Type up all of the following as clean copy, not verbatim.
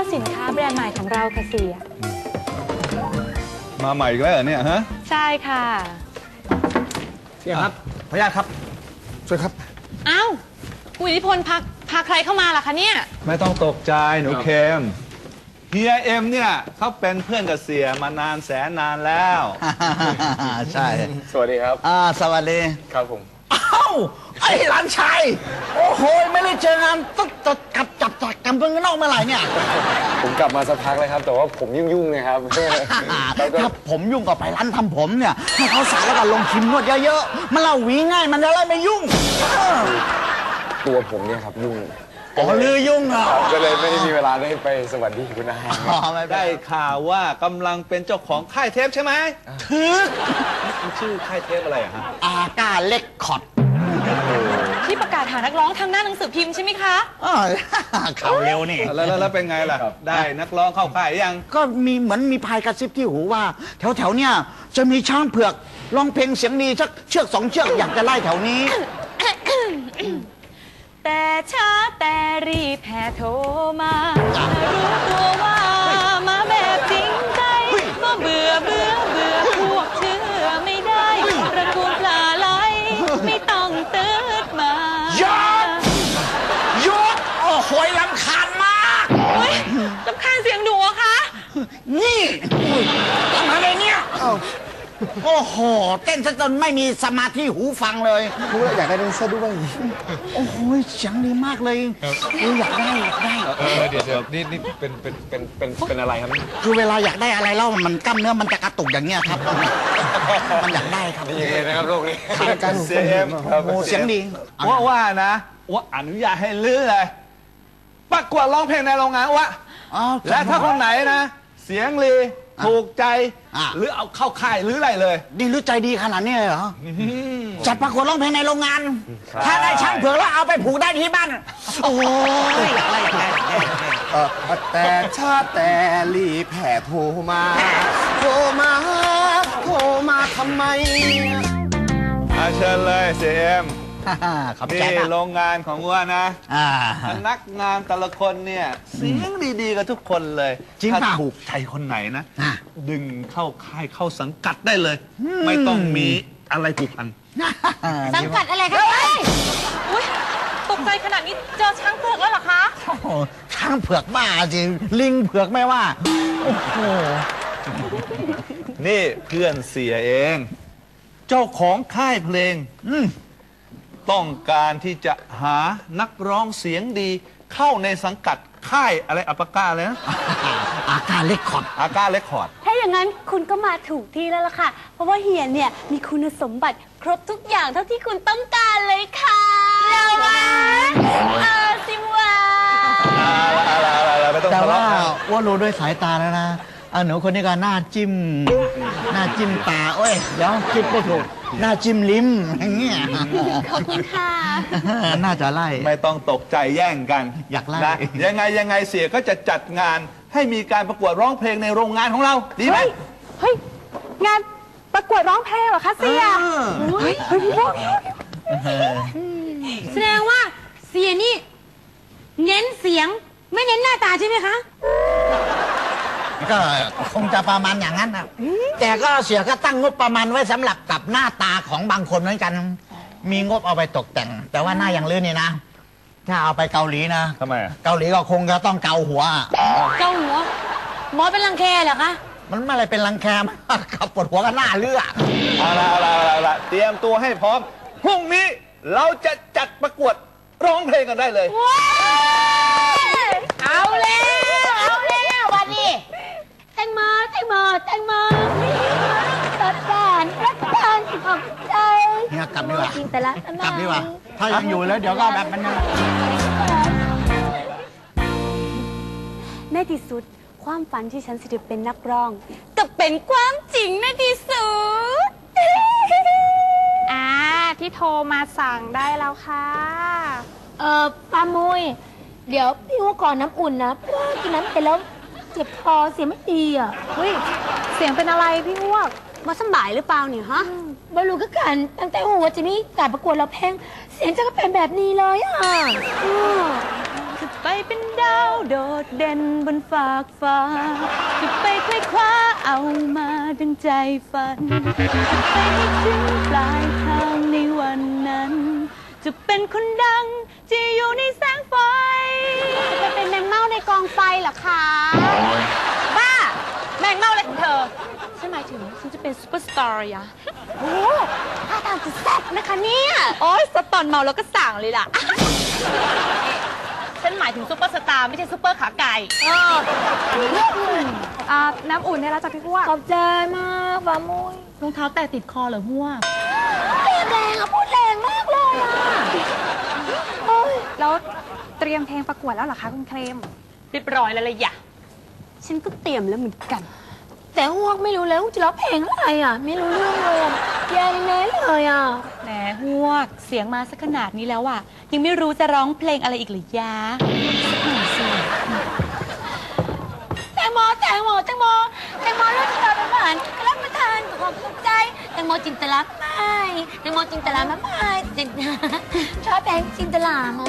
สินค้าแบรนด์ใหม่ของเราค่ะเสียมาใหม่อีกแล้วเหรอเนี่ยฮะใช่ค่ะเสียครับขออนุญาตครับช่วยครับอ้าวคุณอิทธิพลพาใครเข้ามาล่ะคะเนี่ยไม่ต้องตกใจหนูเคมเฮียเอ็มเนี่ยเขาเป็นเพื่อนกับเสียมานานแสนนานแล้วใช่สวัสดีครับสวัสดีครับผมอ้าวไอ้หลานชายโอ้โหไม่ได้เจองานต้องจับกันเพิ่งนอกเมื่อไหร่เนี่ยผมกลับมาสักพักเลยครับแต่ว่าผมยุ่งๆนะครับถ้าผมยุ่งก็ไปร้านทำผมเนี่ยให้เขาสั่งแล้วก็ลงครีมนวดเยอะๆมันเล่าหวีง่ายมันจะได้ไม่ยุ่งตัวผมเนี่ยครับยุ่งลือยุ่งอ่ะก็เลยไม่ได้มีเวลาได้ไปสวัสดีคุณอาได้ข่าวว่ากำลังเป็นเจ้าของค่ายเทปใช่ไหมคือชื่อค่ายเทปอะไรฮะอาก้าเล็กคอร์ดที่ประกาศหานักร้องทางหน้าหนังสือพิมพ์ใช่ไหมคะข่าวเร็วนี่แล้วเป็นไงล่ะได้นักร้องเข้าค่ายยังก็มีเหมือนมีพายกระซิบที่หูว่าแถวเนี่ยจะมีช้างเผือกร้องเพลงเสียงดีสักเชือก2 เชือกอยากจะไล่แถวนี้แต่ช้าแต่รีบแห่โทรมารู้ตัวว่ามาแบบจริงใจก็เบื่อพวกเชื่อไม่ได้ประตูปลาไหลไม่ต้องตืดมาหยุดโอ้โหรำคาญมากรำคาญเสียงหนูอะคะนี่ทำอะไรเนี่ยโอ้โหเต้นซะจนไม่มีสมาธิหูฟังเลยอยากได้แดนเซอร์ด้วยโอ้โหเสียงดีมากเลยอยากได้เดี๋ยวนี่เป็นอะไรครับคือเวลาอยากได้อะไรแล้วมันกล้ามเนื้อมันจะกระตุกอย่างเงี้ยครับมันอยากได้ครับนี่นะครับโลกนี้การเสียงเสียงดีว่านะว่าอนุญาตให้ลื้อเลยประกวดร้องเพลงในโรงงานวะและถ้าคนไหนนะเสียงลีถูกใจหรือเอาเข้าค่ายหรืออะไรเลยดีหรือใจดีขนาดนี้เลยเหรอจัดประกวดร้องเพลงในโรงงานถ้าได้ช้างเผือกแล้วเอาไปผูกได้ที่บ้านโอ้ยแต่ชาแต่รีแผ่โทรมาทำไมเชิญเลยเสียมนี่โรงงานของว่านะพนักงานแต่ละคนเนี่ยเสียงดีๆกับทุกคนเลยถ้าถูกใจคนไหนนะดึงเข้าค่ายเข้าสังกัดได้เลยไม่ต้องมีอะไรผูกพันสังกัดอะไรครับอุ้ยตกใจขนาดนี้เจอช้างเผือกแล้วเหรอคะช้างเผือกบ้าจริงลิงเผือกไม่ว่าโอ้โหนี่เพื่อนเสียเองเจ้าของค่ายเพลงต้องการที่จะหานักร้องเสียงดีเข้าในสังกัดค่ายอะไรอัปก้าเลยนะอาก้าเล็กคอร์ดถ้าอย่างนั้นคุณก็มาถูกที่แล้วล่ะค่ะเพราะว่าเฮียเนี่ยมีคุณสมบัติครบทุกอย่างเท่าที่คุณต้องการเลยค่ะเราสิวะแต่ว่ารู้ด้วยสายตาแล้วนะหนูคนนี้ก็หน้าจิ้มตาโอ้ยเดี๋ยวคิดไม่ถูกหน้าจิ้มลิ้มอย่างเงี้ยขอบคุณค่ะน่าจะไล่ไม่ต้องตกใจแย่งกันอยากไล่ยังไงเสียก็จะจัดงานให้มีการประกวดร้องเพลงในโรงงานของเราดีไหมเฮ้ยงานประกวดร้องเพลงเหรอคะเสียแสดงว่าเสียนี่เน้นเสียงไม่เน้นหน้าตาใช่ไหมคะก็คงจะประมาณอย่างนั้นนะแต่ก็เสียก็ตั้งงบประมาณไว้สำหรับกับหน้าตาของบางคนเหมือนกันมีงบเอาไปตกแต่งแต่ว่าหน้าอย่างลื่นนี่นะถ้าเอาไปเกาหลีนะทำไมเกาหลีก็คงจะต้องเกาหัวหมอเป็นรังแคเหรอคะมันไม่อะไรเป็นรังแคขับปวดหัวก็หน้าเลือดเอาละเตรียมตัวให้พร้อมพรุ่งนี้เราจะจัดประกวดร้องเพลงกันได้เลยเอาแล้ววันนี้แตงโมตัดการออกใจเนี่ยกลับดีกว่าถ้ายังอยู่แล้วเดี๋ยวก็แบบมันในที่สุดความฝันที่ฉันจะเป็นนักร้องก็เป็นความจริงในที่สุดที่โทรมาสั่งได้แล้วค่ะป้ามุยเดี๋ยวพี่ว่าก่อนน้ำอุ่นนะเพราะว่ากินน้ำไปแล้วเจ็บคอเสียงไม่ดีอ่ะเฮ้ยเสียงเป็นอะไรพี่อ้วกมาสบายหรือเปล่าเนี่ยฮะบรรลุก็กันตั้งแต่หัวจะมีการประกวดเราเพลงเสียงจะก็เป็นแบบนี้เลยอ่ะคือไปเป็นดาวโดดเด่นบนฟากฟ้าจะไปคว้าคว้าเอามาดังใจฝันจะไปให้ถึงปลายทางในวันนั้นจะเป็นคนดังที่อยู่ในแสงไฟจะไปเป็นแมงเม่าในกองไฟเหรอคะบ้าแมงเม่าอะไรของเธอฉันหมายถึงฉันจะเป็นซูเปอร์สตาร์อะโอ้ท่าทางจะแซ่บนะคะเนี่ยโอ๊ยสตอนเมาแล้วก็สั่งเลยล่ะ ฉันหมายถึงซูเปอร์สตาร์ไม่ใช่ซูเปอร์ขาไก่น้ำอุ่นได้แล้วจ้ะพี่พวกขอบใจมากป้ามุ้ยรองเท้าแตะติดคอเหรอพวกแรงอะพูดแรงมากเลยอะโอ้ยแล้วเตรียมเพลงประกวดแล้วเหรอคะคุณเคลมเรียบร้อยแล้วเลยอย่ะฉันก็เตรียมแล้วเหมือนกันแต่ฮวกไม่รู้เลยว่าจะร้องเพลงอะไรอะไม่รู้เรื่องเลยอะแย่แน่เลยอะแหมฮวกเสียงมาสักขนาดนี้แล้วอ่ะยังไม่รู้จะร้องเพลงอะไรอีกหรือยะสักหน่อยสิแตงโมแตงโมแตงโมแตงโมรสชาเป็นหวานรับประทานกับความภูมิใจแตงโมจินตลาไม่แตงโมจินตลาไม่จินชอบแพงจินตลามา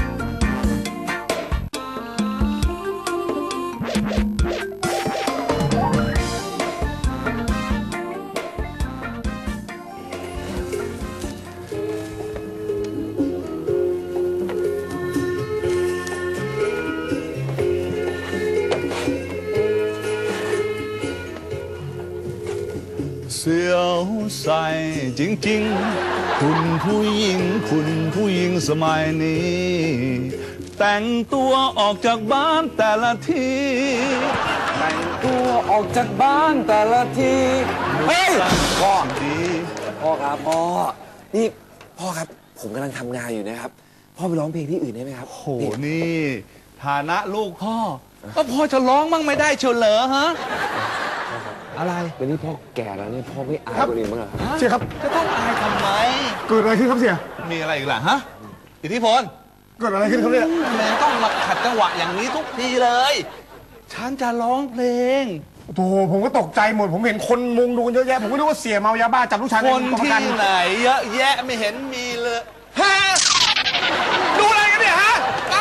เสียวใส่จริงๆคุณผู้หญิงสมัยนี้ แต่งตัวออกจากบ้านแต่ละทีแต่งตัวออกจากบ้านแต่ละทีเฮ้ยพ่อดีพ่อครับพ่อนี่พ่อครับผมกำลังทำงานอยู่นะครับพ่อไปร้องเพลงที่อื่นได้ไหมครับโหนี่ฐานะลูกพ่อก็พ่อจะร้องมั่งไม่ได้เชียวเหรอฮะอะไรวันนี้พ่อแก่แล้วเนี่ยพ่อไม่อายคนอื่นบ้างเหรอครับเสียครับจะต้องอายทำไมเกิดอะไรขึ้นครับเสียมีอะไรอีกล่ะฮะอิทธิพลเกิดอะไรขึ้นครับเนี่ยแม่ต้องมาขัดจังหวะอย่างนี้ทุกทีเลยฉันจะร้องเพลงโอ้โหผมก็ตกใจหมดผมเห็นคนมุงดูกันเยอะแยะผมก็นึกว่าเสียเมายาบ้าจับลูกชายคนที่ไหนเยอะแยะไม่เห็นมีเลยฮะดูอะไรกันเนี่ยฮะไป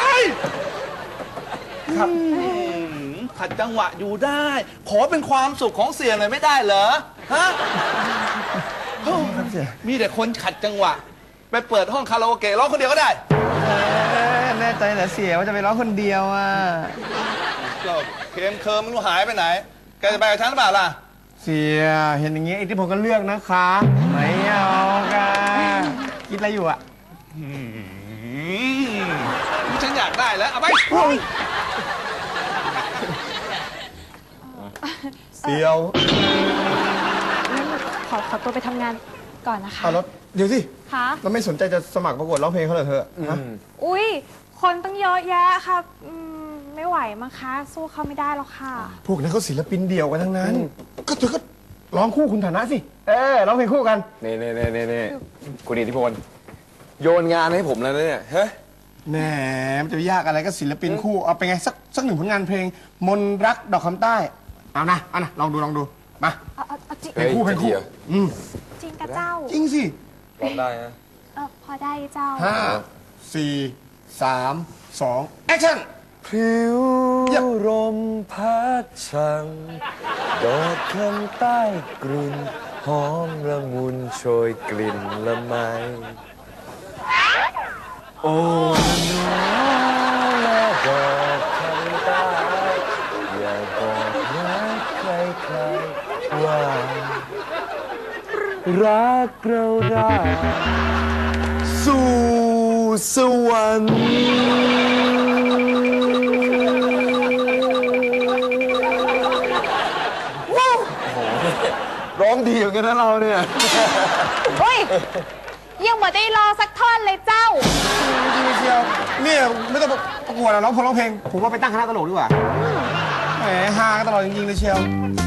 ครับขัดจังหวะอยู่ได้ขอเป็นความสุขของเสียหน่อยไม่ได้เหรอฮะมีแต่คนขัดจังหวะไปเปิดห้องคาราโอเกะร้องคนเดียวก็ได้แน่ใจเหรอเสียว่าจะไปร้องคนเดียวอ่ะก็เคมเคิร์มไม่รู้หายไปไหนแกจะไปกับฉันหรือเปล่าล่ะเสียเห็นอย่างงี้ไอ้ที่ผมก็เลือกนะคะไม่เอากันคิดอะไรอยู่อ่ะฉันอยากได้แล้วเอาไปเสียวขอตัวไปทำงานก่อนนะคะแล้วเดี๋ยวสิคะเราไม่สนใจจะสมัครประกวดร้องเพลงเขาเหรอเธออุ้ยคนตั้งเยอะแยะค่ะไม่ไหวมั้งคะสู้เขาไม่ได้หรอกค่ะพวกนั้นเขาศิลปินเดี่ยวกันทั้งนั้นก็เธอก็ร้องคู่คุณฐานะสิร้องเพลงคู่กันนี่คุณอิทธิพลโยนงานให้ผมแล้วเนี่ยเฮ้ยแหมมันจะยากอะไรก็ศิลปินคู่เอาไปไงสักหนึ่งผลงานเพลงมนรักดอกคำใต้เอานะลองดูมาเพลงคู่จริงกับเจ้าจริงสิร้องได้ฮะพอได้เจ้า 5 4 3 2แอคชั่นพริ้วลมพัดช่างดอกคำใต้กลุ่นหอมละมุนโชยกลิ่นละไมโอ้น้อและดอกคำใต้อย่าบอกรักใครๆว่ารักเราได้สู่สวรรค์ร้องดีเหมือนกันนะเราเนี่ยเฮ้ยยังไม่ได้รอสักท่อนเลยเจ้าจริงๆเชียวเนี่ยไม่ต้องประกวดร้องเพลงผมว่าไปตั้งคณะตลกดีกว่าแหมฮากันตลอดจริงๆเลยเชียว